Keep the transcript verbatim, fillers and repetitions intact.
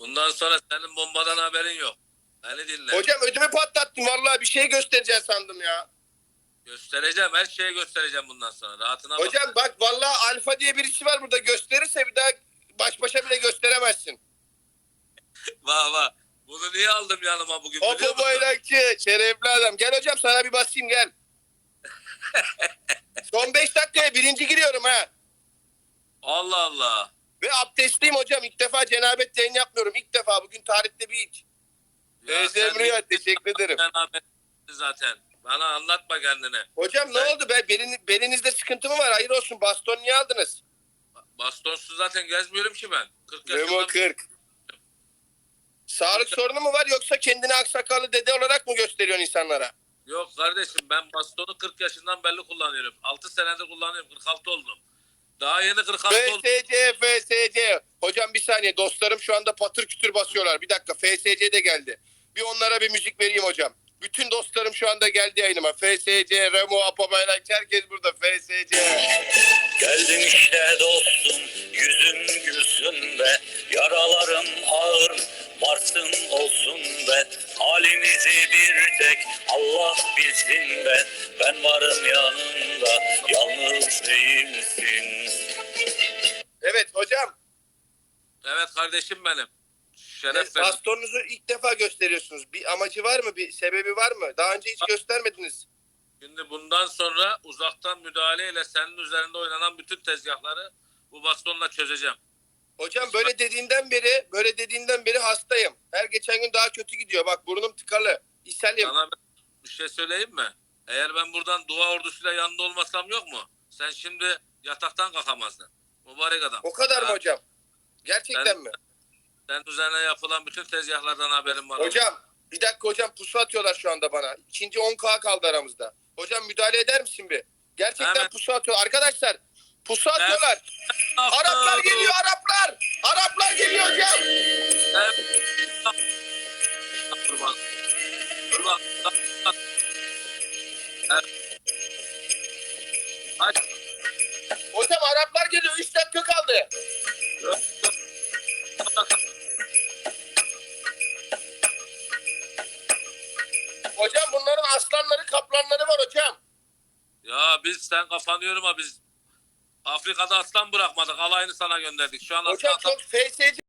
Bundan sonra senin bombadan haberin yok. Beni dinle. Hocam ödümü patlattın. Vallahi bir şey göstereceğim sandım ya. Göstereceğim. Her şeyi göstereceğim bundan sonra. Rahatına bak. Hocam bak vallahi Alfa diye birisi var burada. Gösterirse bir daha baş başa bile gösteremezsin. Vah vah. Bunu niye aldım yanıma bugün biliyor Hopo musun? bayrakçı. Şerefli adam. Gel hocam sana bir basayım gel. Son beş dakikaya birinci giriyorum ha. Allah Allah. Ve abdestliyim hocam. İlk defa cenabet yayın yapmıyorum. İlk defa. Bugün tarihte bir ilk. Ya sen Özlemriyor. Teşekkür ederim. cenabet zaten. Bana anlatma kendini. Hocam ne Ben- oldu be? Belin, belinizde sıkıntı mı var? Hayır olsun. Baston niye aldınız? Bastonsuz zaten gezmiyorum ki ben. kırk Memo yaşında. kırk. Sağlık sorunu mu var yoksa kendini aksakallı dede olarak mı gösteriyorsun insanlara? Yok kardeşim ben bastonu kırk yaşından belli kullanıyorum. altı senedir kullanıyorum. kırk altı oldum. Daha yeni kırk altı oldum. F S C, F S C. Hocam bir saniye dostlarım şu anda patır kütür basıyorlar. Bir dakika F S C de geldi. Bir onlara bir müzik vereyim hocam. Bütün dostlarım şu anda geldi yayınıma. F S C, Remo, Apo Bayrakçı herkes burada. F S C. Geldim işte dostum, yüzün gülsün be, yaralarım ağır, varsın olsun be, halimizi bir tek Allah bilsin be, ben varım yanında, yalnız değilsin. Evet hocam. Evet kardeşim benim. Şeref e, benim. Bastonunuzu ilk defa gösteriyorsunuz. Bir amacı var mı? Bir sebebi var mı? Daha önce hiç göstermediniz. Şimdi bundan sonra uzaktan müdahaleyle senin üzerinde oynanan bütün tezgahları bu bastonla çözeceğim. Hocam böyle dediğinden beri, böyle dediğinden beri hastayım. Her geçen gün daha kötü gidiyor. Bak burnum tıkalı. İshalim. Sana ben bir şey söyleyeyim mi? Eğer ben buradan dua ordusuyla yanında olmasam yok mu? Sen şimdi yataktan kalkamazdın. Mübarek adam. O kadar mı Ha, hocam? Gerçekten Ben- mi? Senin üzerine yapılan bütün tezgahlardan haberim var. Hocam bir dakika hocam pusu atıyorlar şu anda bana. İkinci on K kaldı aramızda. Hocam müdahale eder misin bir? Gerçekten Hemen. pusu atıyor. Arkadaşlar pusu atıyorlar. Araplar geliyor Araplar. Araplar geliyor hocam. Kurban. Kurban. Aç. Hocam Araplar geliyor. Üç dakika kaldı. Hocam bunların aslanları kaplanları var hocam. Ya biz sen kafanı yorma biz Afrika'da aslan bırakmadık. Alayını sana gönderdik. Şu an Hocam aslan çok F S C